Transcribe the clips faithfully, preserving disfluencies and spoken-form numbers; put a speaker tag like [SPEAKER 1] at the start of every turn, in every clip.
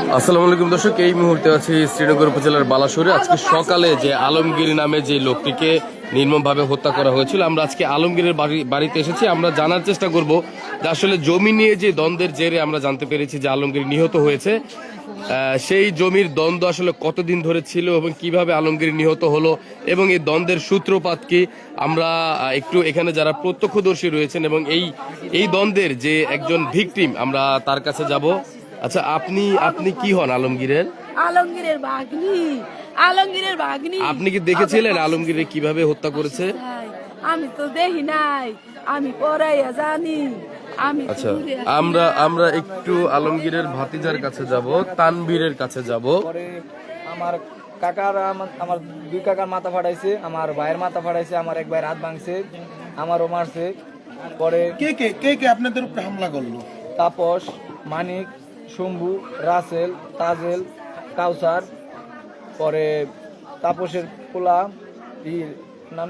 [SPEAKER 1] আসসালামু আলাইকুম দর্শক, এই মুহূর্তে আছি শ্রীনগর উপজেলার বালাসোরে। আজকে সকালে যে আলমগীর নামে যে লোকটিকে নির্মমভাবে হত্যা করা হয়েছিল, আমরা আজকে আলমগীরের বাড়ি বাড়িতে এসেছি। আমরা জানার চেষ্টা করব যে আসলে জমি নিয়ে যে দ্বন্দ্বের জেরে আমরা জানতে পেরেছি যে আলমগীর নিহত হয়েছে, সেই জমির দ্বন্দ্ব আসলে কতদিন ধরে ছিল এবং কিভাবে আলমগীর নিহত হলো এবং এই দ্বন্দ্বের সূত্রপাত কি, আমরা একটু এখানে যারা প্রত্যক্ষদর্শী রয়েছেন এবং এই এই দ্বন্দ্বের যে একজন ভিকটিম, আমরা তার কাছে যাব। আচ্ছা, আপনি আপনি কি হন আলমগীরের?
[SPEAKER 2] আলমগীরের ভাগ্নি। আলমগীরের ভাগ্নি।
[SPEAKER 1] আপনি কি দেখেছিলেন আলমগীরের কিভাবে হত্যা করেছে?
[SPEAKER 2] আমি তো দেখি নাই, আমি পড়াইয়া জানি। আমি
[SPEAKER 1] আচ্ছা, আমরা আমরা একটু আলমগীরের ভাতিজার কাছে যাব, তানভীরের কাছে যাব।
[SPEAKER 3] আমার কাকার আমার দুই কাকার মাথা ফাটাইছে, আমার ভাইয়ের মাথা ফাটাইছে, আমার এক ভাইয়ের হাত ভাঙছে, আমারও মারছে। পরে
[SPEAKER 4] কে কে কে কে আপনাদের উপরে হামলা করলো?
[SPEAKER 3] তাপস, মানিক, শম্ভু, রাসেল, তাজেল, কাউসার, পরে তাপসের পোলা ই নাম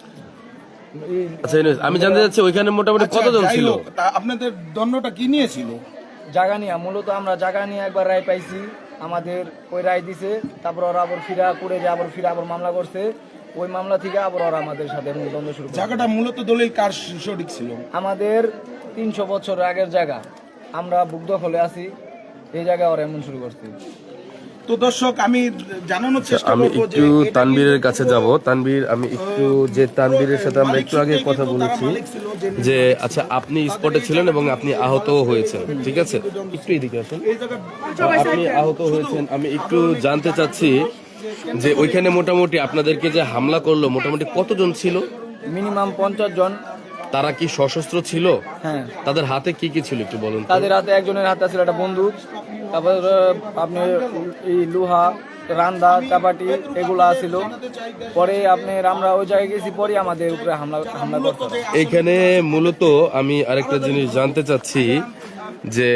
[SPEAKER 1] আচ্ছা, আমি জানতে চাচ্ছি ওইখানে মোটামুটি কতজন ছিল?
[SPEAKER 4] আপনাদের দণ্ডটা কি নিয়েছিল?
[SPEAKER 3] জায়গা নিয়ে, মূলত আমরা জায়গা নিয়ে একবার রায় পাইছি, আমাদের ওই রায় দিছে, তারপর ওরা আবার ফিরা করে যে আবার ফিরা আবার মামলা করছে, ওই মামলা থেকে আবার ওরা আমাদের সাথে দ্বন্দ্ব শুরু করে।
[SPEAKER 4] জায়গাটা মূলত দলিল কার সঠিক ছিল?
[SPEAKER 3] আমাদের তিনশো বছর আগের জায়গা, আমরা বুক দখলে আছি, এই জায়গায় ওরা এমন শুরু করছে।
[SPEAKER 4] তো দর্শক, আমি জানানোর চেষ্টা
[SPEAKER 1] আমি
[SPEAKER 4] করব
[SPEAKER 1] একটু তানভীরের কাছে যাব। তানভীর, আমি একটু যে তানভীরের সাথে আমরা একটু আগে কথা বলেছি যে আচ্ছা আপনি স্পটে ছিলেন এবং আপনি আহতও হয়েছেন, ঠিক আছে? একটু এদিকে আসেন। আপনি আহত হয়েছেন, আমি একটু জানতে চাচ্ছি যে ওইখানে মোটামুটি আপনাদেরকে যে হামলা করলো মোটামুটি কতজন ছিল?
[SPEAKER 3] মিনিমাম পঞ্চাশ জন।
[SPEAKER 1] তারা কি সশস্ত্র ছিল?
[SPEAKER 3] হ্যাঁ।
[SPEAKER 1] তাদের হাতে কি কি ছিল একটু বলুন।
[SPEAKER 3] তাদের হাতে একজনের হাতে ছিল একটা বন্দুক, তারপর আপনি এই লোহা, রান্দা, চাপাটি এগুলা ছিল। পরে আপনি আমরা ওই জায়গায় গেছি, পরে আমাদের উপরে হামলা হামলা করতে।
[SPEAKER 1] এইখানে মূলত আমি আরেকটা জিনিস জানতে চাচ্ছি যে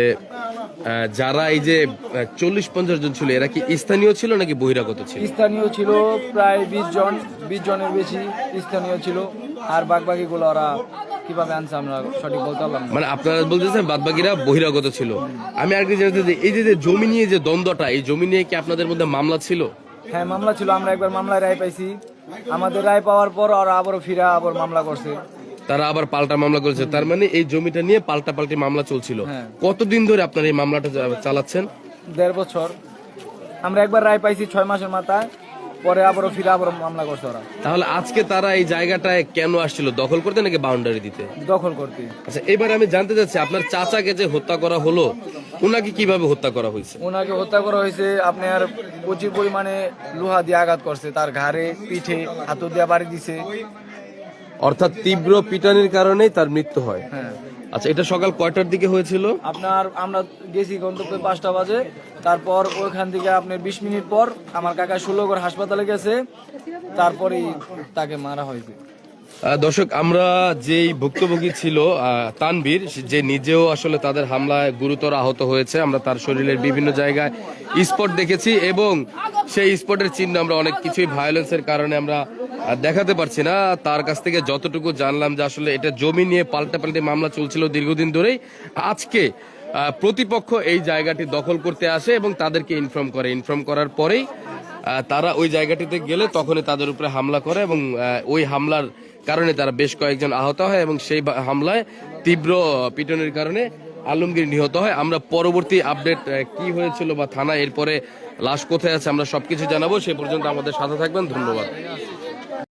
[SPEAKER 1] যারা এই যে চল্লিশ পঞ্চাশ জন ছিল, এরা কি স্থানীয় ছিল নাকি বহিরাগত ছিল?
[SPEAKER 3] স্থানীয় ছিল প্রায় বিশ জন, বিশ জনের বেশি স্থানীয় ছিল, আর বাকি গুলো ওরা কিভাবে আনছে আমরা সঠিক বলতে পারলাম না।
[SPEAKER 1] মানে আপনারা বলতেছেন বাদ বাকিরা বহিরাগত ছিল। আমি আরেকটা জানতে চাই, এই যে জমি নিয়ে যে দ্বন্দ্বটা, এই জমি নিয়ে কি আপনাদের মধ্যে মামলা ছিল?
[SPEAKER 3] হ্যাঁ, মামলা ছিল। আমরা একবার মামলায় রায় পাইছি, আমাদের রায় পাওয়ার পর ওরা আবারও ফিরা আবার মামলা করছে।
[SPEAKER 1] তারা আবার পাল্টা মামলা করেছে, তার মানে এই জমিটা নিয়ে পাল্টা পাল্টি মামলা চলছিল। কতদিন ধরে আপনারা এই মামলাটা চালাচ্ছেন?
[SPEAKER 3] দেড় বছর। আমরা একবার রায় পাইছি ছয় মাসের মাথায়, পরে আবারও ফিরে আবার মামলা করছে ওরা।
[SPEAKER 1] তাহলে আজকে তারা এই জায়গাটায় কেন আসছিল? দখল করতে নাকি বাউন্ডারি দিতে?
[SPEAKER 3] দখল করতে।
[SPEAKER 1] আচ্ছা, এবার আমি জানতে চাচ্ছি আপনার চাচাকে যে হত্যা করা হলো, ওনাকে কিভাবে হত্যা করা হয়েছে?
[SPEAKER 3] ওনাকে হত্যা করা হয়েছে আপনার প্রচুর পরিমাণে লোহা দিয়ে আঘাত করছে, তার ঘাড়ে, পিঠে, হাতু দিয়ে বাড়ি দিছে।
[SPEAKER 1] অর্থাৎ তীব্র পিটানির কারণেই তার মৃত্যু হয়।
[SPEAKER 3] হ্যাঁ।
[SPEAKER 1] আচ্ছা, এটা সকাল কয়টার দিকে হয়েছিল?
[SPEAKER 3] আপনার আমরা গেছি গন্তব্যে পাঁচটা বাজে, তারপর ওইখান থেকে আপনার বিশ মিনিট পর আমার কাকা ষোলোগড় হাসপাতালে গেছে, তারপরেই তাকে মারা হয়েছে।
[SPEAKER 1] দর্শক, আমরা যেই ভুক্তভোগী ছিল তানভীর, যে নিজেও আসলে তাদের হামলায় গুরুতর আহত হয়েছে, আমরা তার শরীরের বিভিন্ন জায়গায় স্পট দেখেছি এবং সেই স্পটের চিহ্ন আমরা অনেক কিছুই ভায়োলেন্সের কারণে আমরা দেখাতে পারছি না। তার কাছ থেকে যতটুকু জানলাম যে আসলে এটা জমি নিয়ে পাল্টাপাল্টি মামলা চলছিল দীর্ঘদিন ধরেই। আজকে প্রতিপক্ষ এই জায়গাটি দখল করতে আসে এবং তাদেরকে ইনফর্ম করে। ইনফর্ম করার পরেই তারা ওই জায়গাটিতে গেলে তখনই তাদের উপরে হামলা করে এবং ওই হামলার কারণে তারা বেশ কয়েকজন আহত হয় এবং সেই হামলায় তীব্র পিটনের কারণে আলমগীর নিহত হয়। আমরা পরবর্তী আপডেট কি হয়েছিল বা থানা এরপরে লাশ কোথায় আছে আমরা সবকিছু জানাবো। সে পর্যন্ত আমাদের সাথে থাকবেন। ধন্যবাদ।